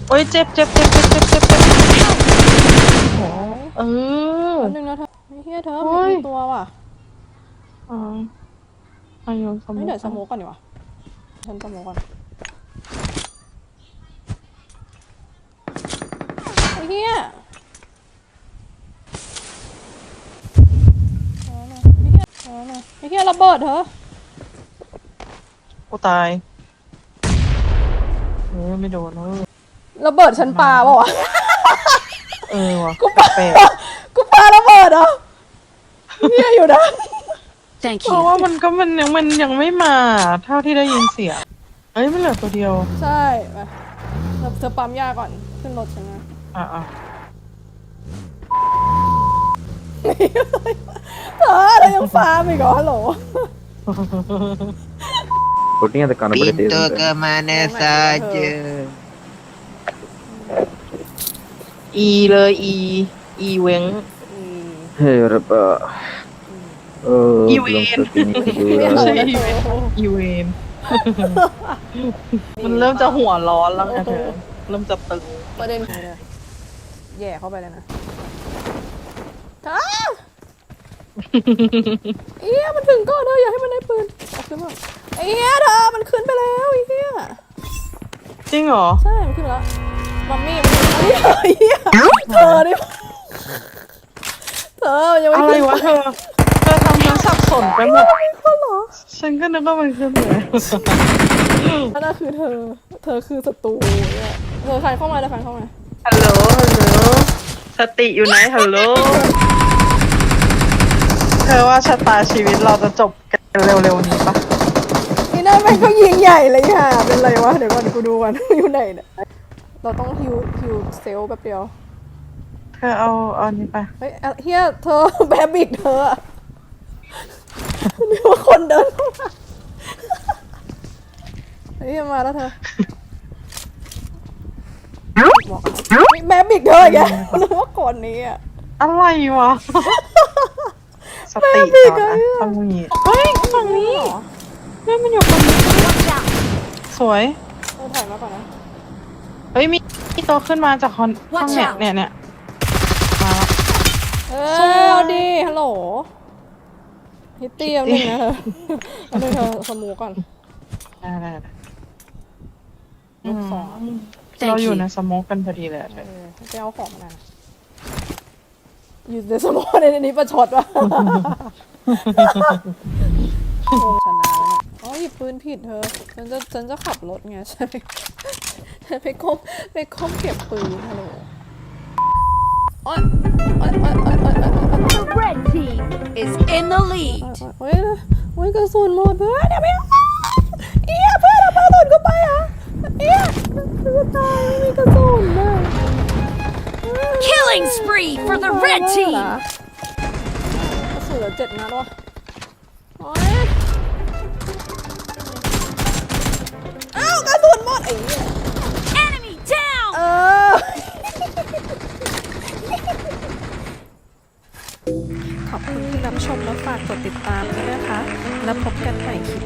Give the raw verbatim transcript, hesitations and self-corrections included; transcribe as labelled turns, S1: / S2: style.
S1: โอ้ยเจ็บเจ็บเจ็บเจ็บเจ็บเจ็บเจ็บโอ้เออ
S2: อันหนึ่งนะเธอเฮียเธอมีตัวว่ะ
S1: อ๋ออายุสมุ
S2: ไม่
S1: ก
S2: เดี๋ยวสโมกก่อนดีกว่าฉันสโมกก่อนไอ้เฮียไอ้เฮียระเบิดเธอ
S1: กูตายเออไม่โดนเออ
S2: ระเบิดฉันปาเปล่าวะ
S1: เออว่ะ
S2: กูปา
S1: แปลก
S2: กูปาระเบิดเหรอเฮียอยู่นะ
S1: เพราะว่ามันก็มันยังมันยังไม่มาเท่าที่ได้ยินเสียงเอ้ยมันเหลือตัวเดียว
S2: ใช่มาเธอปั๊มยาก่อนขึ้นรถฉันนะ
S1: อ่ะอ่ะ
S2: เธอเธอยังฟาร์มอีกเหรอฮัลโหล
S3: Putting at the corner, but it
S4: Pintu
S3: isn't.
S4: kemana saja.
S1: อีเลยอีอีเว้ง
S3: Hey, Rabba. Oh, belum setting
S1: ไม่ใช่
S3: kedua.
S1: อีเวนอีเวนมันเริ่มจะหัวร้อนแล้วไงเธอเริ่มจะตึง
S2: ประเด็นคือเลยแย่เข้าไปเลยนะท้าเอี้ยมันถึงก่อนเธออย่าให้มันได้ปืนเอาขึ้นมาเอี้ยเธอมันขึ้นไปแล้วไอ้เอี้ย
S1: จริงเหรอ
S2: ใช่มันขึ้นไปแล้วมัมมี่มันขึ้นไปแล้วเอี้ยเธอนี่เธอยังไม่
S1: อะไร
S2: ขึ้น
S1: วะเธอเธอทำฉันสับสนไปหมด
S2: เขาเหรอ
S1: ฉันก็นึกว่ามันขึ้นเลย
S2: นั่นน่ะคือเธอเธอคือศัตรูเนี่ยเธอใครเข้ามาเลยใครเข้ามา
S1: ฮัลโหลฮัลโหลสติอยู่ไหนฮัลโหลเธอว่าชะตาชีวิตเราจะจบกันเร็วๆนี้ปะ
S2: นี่นั่นแม่งก็ยิงใหญ่เลยค่ะเป็นไรวะเดี๋ยวก่อนกูดูก่อนอยู่ไหนเนี่ยเราต้องฮิวฮิวเซลแป๊บเดียว
S1: เธอเอาเอานี้ไป
S2: เฮ้ยเฮียเธอแบบบิกเธอนี่ว่าคนเดินเข้ามาเฮ้ยมาแล้วเธอบอกมีแบบบิกเธอแกนึกว่าคนนี้อ่ะ
S1: อะไรวะสติก่อนนะต้องมีเฮ้ยฝั่งนี้เฮ้ยมันอยู่ฝั่งนี้สวย
S2: เธอถ่ายมาก่อนนะ
S1: เฮ้ยมีมีตัวขึ้นมาจากคอนห้องเนี่ยเนี่ยเนี่ยมาแล้ว
S2: เออเอาดีฮัลโหลฮิตตี้เอาหนึ่งนะเธอเอาหนึ่งเธอสมูก่อน
S1: ได้ได้ได้
S2: ลูกสอง
S1: เราอยู่ในสโมกกันพอดีเลยอะเธ
S2: เอ
S1: อ
S2: อไปเอาของมาหน่อยนะอยู่ในสมองในนี้ประชดวะโอ้ชนะแล้วเนี่ยอ๋อหยิบปืนผิดเธอฉันจะฉันจะขับรถไงใช่ฉันไปก้มไปก้มเก็บปืนฮัลโหลโอ๊ยโอ๊ยโอ๊ยโอ๊ยโอ๊ย
S5: The red team is in the lead.
S2: โอ๊ยโอ๊ยกระสุนหมดเพื่อนเดี๋ยวไม่เอาเอี้ยเพื่อนเอากระสุนก็ไปอ่ะเอี้ยจะตายไม่มีกระสุนนะ
S5: Killing spree for the red team.
S2: กระสุนเหลือเจ็ดนัดวะโอ๊ยอ้าวกระสุนหมดไอ้เหี้ย
S5: Enemy down.
S2: เออขอบคุณที่รับชมและฝากกดติดตามด้วยนะคะ แล้วพบกันใหม่คลิป